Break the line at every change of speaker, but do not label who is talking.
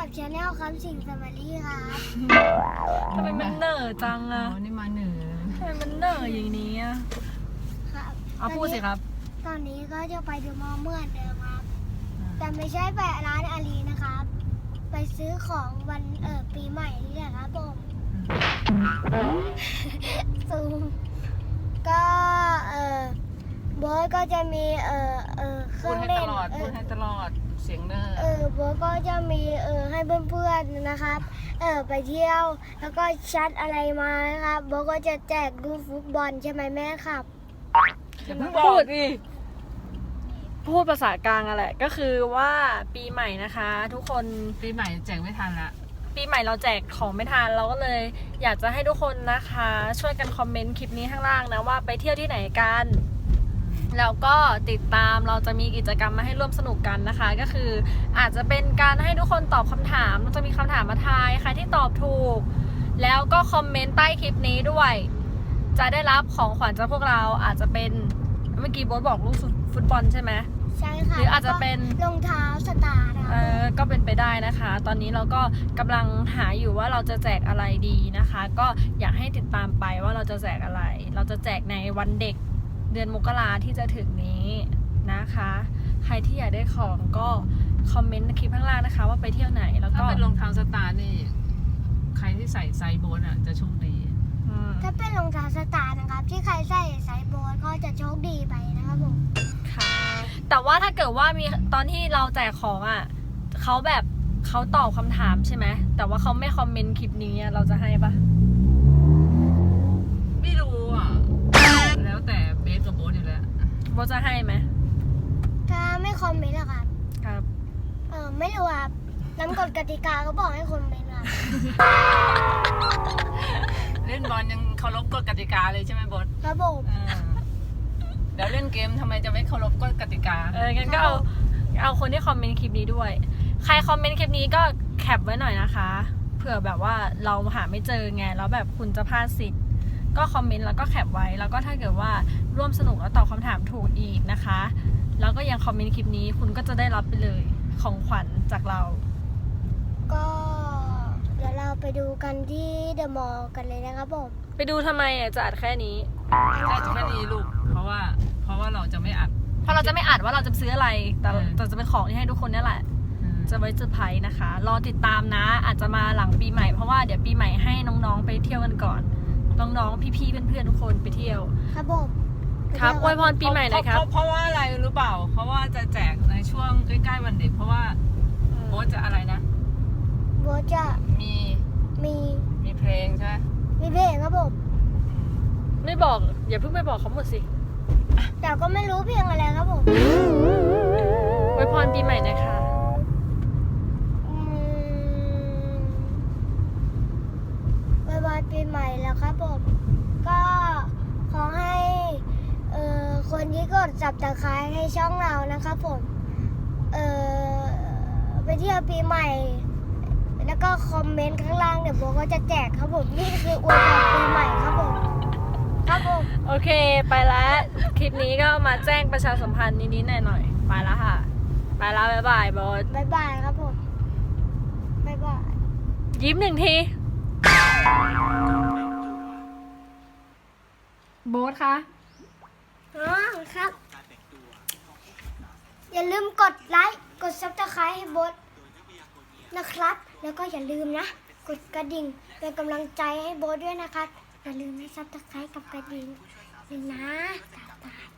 กับชาแนลคำสิงสมารีครับ
ทำไมมันเหน่อจัง
อ๋อ
อะ
นี่มาเหนือ
ทำไมมันเหน่ออย่างนี้อะ
ครับ
เอาพูดสิครับ
ตอนนี้ก็จะไปดูมอเมื่อนเดิมครับ แต่ไม่ใช่ไปร้านอาลีนะครับ ไปซื้อของวันปีใหม่นี่แหละครับผมซูมก็โบ๊ทก็จะมีเค
พู
รื่
ด
อง
ให้
เล่
ต
น
ลอด พูดให้ตลอด เสียงเนอร์
โบ๊ทก็จะมีให้เพื่อนๆนะครับไปเที่ยวแล้วก็ชัดอะไรมานะครับโบ๊ทก็จะแจกลูกฟุตบอลใช่ไหมแม่ครับ
อย่าเพิ่งบ
พู
อก
ดดิพูดภาษากลางอะแหละ ก็คือว่าปีใหม่นะคะ ทุกคน
ปีใหม่แจกไม่ทันละ
ปีใหม่เราแจกของไม่ทันเราก็เลย อยากจะให้ทุกคนนะคะ ช่วยกันคอมเมนต์คลิปนี้ข้างล่างนะว่าไปเที่ยวที่ไหนกัน แล้วก็ติดตามเราจะมีกิจกรรมมาให้ร่วมสนุกกันนะคะ ก็คืออาจจะเป็นการให้ทุกคนตอบคำถามเราจะมีคำถามมาทายใครที่ตอบถูก แล้วก็คอมเมนต์ใต้คลิปนี้ด้วย จะได้รับของขวัญจากพวกเราอาจจะเป็นเมื่อกี้โบ๊ทบอกลูกฟุตบอลใช่ไหม
ใช่ค่ะ
หรืออาจจะเป็น
รองเท้าสตาร์นะ
ก็เป็นไปได้นะคะ ตอนนี้เราก็กำลังหาอยู่ว่าเราจะแจกอะไรดีนะคะ ก็อยากให้ติดตามไปว่าเราจะแจกอะไร เราจะแจกในวันเด็กเดือนมกราที่จะถึงนี้นะคะ ใครที่อยากได้ของก็คอมเมนต์คลิปข้างล่างนะคะ ว่าไปเที่ยวไหนแล้ว
ถ้า
ก็
เป็นรองเท้าสตาร์นี่ ใครที่ใส่ไซส์โบนอ่ะ จะโชคดี
ถ้าเป็นรองเท้าสตาร์นะครับ ที่ใครใส่ไซส์โบนก็จะโชคดีไปนะครับผม
ค่ะแต่ว่าถ้าเกิดว่ามีตอนที่เราแจกของอ่ะเขาแบบเขาตอบคำถามใช่ไหมแต่ว่าเขาไม่คอมเมนต์คลิปนี้อะเราจะให้ปะ
ไม่รู้อ่ะ แล้วแต่เบสกับโบสอยู่แล้ว
โบจะให้ไหม
ถ้าไม่คอมเมนต์อะครับ
ครับ
ไม่รู้ครับน้ำกฎกติกาก็บอกให้คอมเมนต์ครับ
เล่นบอลยังเคารพกฎกติกาเลยใช่ไหมโบส
ครับผม
เดี๋ยวเล่นเกมทำไมจะไม่เคารพกฎกติกา
งั้นก็เอาคนที่คอมเมนต์คลิปนี้ด้วย ใครคอมเมนต์คลิปนี้ก็แคปไว้หน่อยนะคะ เผื่อแบบว่าเราหาไม่เจอไง แล้วแบบคุณจะพลาดสิทธิ์ ก็คอมเมนต์แล้วก็แคปไว้ แล้วก็ถ้าเกิดว่าร่วมสนุกแล้วตอบคำถามถูกอีกนะคะ แล้วก็ยังคอมเมนต์คลิปนี้คุณก็จะได้รับไปเลยของขวัญจากเรา
ก็เดี๋ยวเราไปดูกันที่เดอะมอลล์กันเลยนะครับผม
ไปดูทำไมจะอัดแค่นี้
ได้จะแค่นี้ลูก เพราะว่าเราจะไม่อัด
เพราะเราจะไม่อัดว่าเราจะซื้ออะไร แต่
เออ
แต่จะเป็นของที่ให้ทุกคนนี่แหละ จะไว้เซอร์ไพรส์นะคะ รอติดตามนะ อาจจะมาหลังปีใหม่ เพราะว่าเดี๋ยวปีใหม่ให้น้องๆไปเที่ยวกันก่อน น้องๆ พี่ๆ เพื่อนๆ ทุกคนไปเที่ยว
ครับผม
ครับอวยพรปีใหม่หน่อยครับ
เพราะว่าอะไรรู้เปล่า เพราะว่าจะแจกในช่วงใกล้ๆวันเด็ก เพราะว่าโบสจะอะไรนะ
โบทจะ
มี
มี
เพลงใช่ไหม
มีเพลงครับผม
ไม่บอก อย่าเพิ่งไปบอกเขาหมดสิ
แต่ก็ไม่รู้เพลงอะไรครับผม
อวยพรปีใหม่หนะคะ
บายบายปีใหม่แล้วครับผม ก็ขอให้คนที่กดจับตะไคร้ให้ช่องเรานะครับผมไปเที่ยวปีใหม่ แล้วก็คอมเมนต์ข้างล่างเดี๋ยวโบก็จะแจกครับผมนี่คืออวยพรปีใหม่ครับผมครับผม
โอเค ไปแล้ว คลิปนี้ก็มาแจ้งประชาสัมพันธ์นิดๆหน่อยๆ ไปแล้วค่ะ ไปแล้วบ๊ายบายบอส
บายบายครับผมบายบาย
ยิ้มหนึ่งที โบ๊ทคะ
ครับ อย่าลืมกดไลค์ กดซับสไครต์ให้โบทนะครับ แล้วก็อย่าลืมนะ กดกระดิ่งเป็นกำลังใจให้โบทด้วยนะครับ อย่าลืมให้ซับสไครต์กับกระดิ่งเลยนะบ๊ายบาย